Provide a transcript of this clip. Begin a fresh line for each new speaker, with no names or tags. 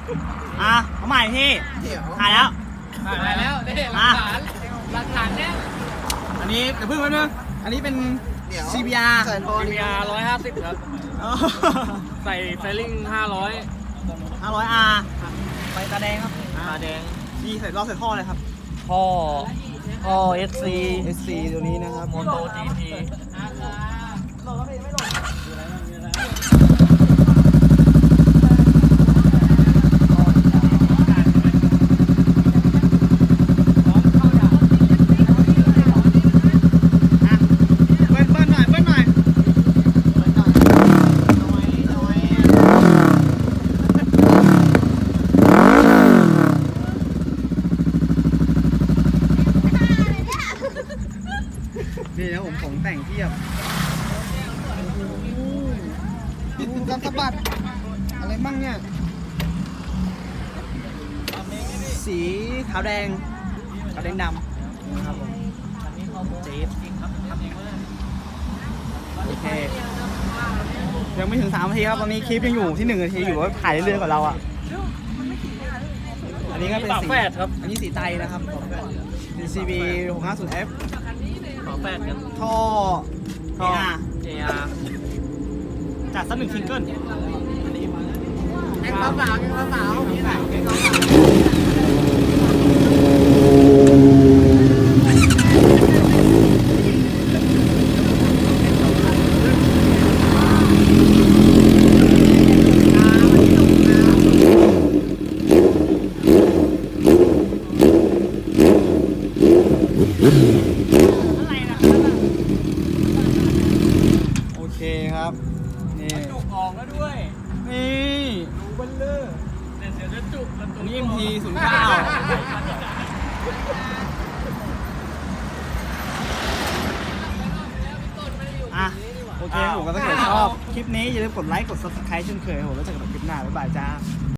เอาใหม่พี่ถ่ายแล้ว
ถ่ายแล้วนี่หลักฐานเนี่ย
อันนี้เดี๋ยวเพิ่งแป๊บนึงอันนี้เป็น CBR
มี150ครับใส่ไฟลิ่ง
500R ไฟตาแดงครับ
ตาแดง
นี่ใส่รอบใส่ท่อเลยครับ
ท่อ SC
SC ตัวนี้นะครับ
โมโต GT
เบิ้ลหน่อยเบิ้ลหน่อยนี่นะผมของแต่งเทียบดูการสะบัดอะไรมั่งเนี่ย สีขาวแดงขาวแดงดำนะครับผมเจี๊บโอเคยังไม่ถึง3 นาทีครับตอนนี้คลิปยังอยู่ที่1 นาทีอยู่ว่าถ่ายเรื่อยๆกว่าเราอ่ะอันนี้ก็เป็น
ฝา
สี
แฝดครับ
อันนี้สีไตนะครับเป็น CB 650F
ฝาแฝดกัน
ท่อ AR
AR
จากสัก1 ซิงเกิลโอเคครับนี่
จุกออกแล้วด้วย
นี่
ดูเบลเลอร์เดี๋ยวจะจุกกันตรง
นี่ MT 09อ่ะโอเคผมก็ถ้าเกิดชอบคลิปนี้อย่าลืมกดไลค์กด subscribe เช่นเคยผมแล้วเจอกันใหม่คลิปหน้าบ๊ายบายจ้า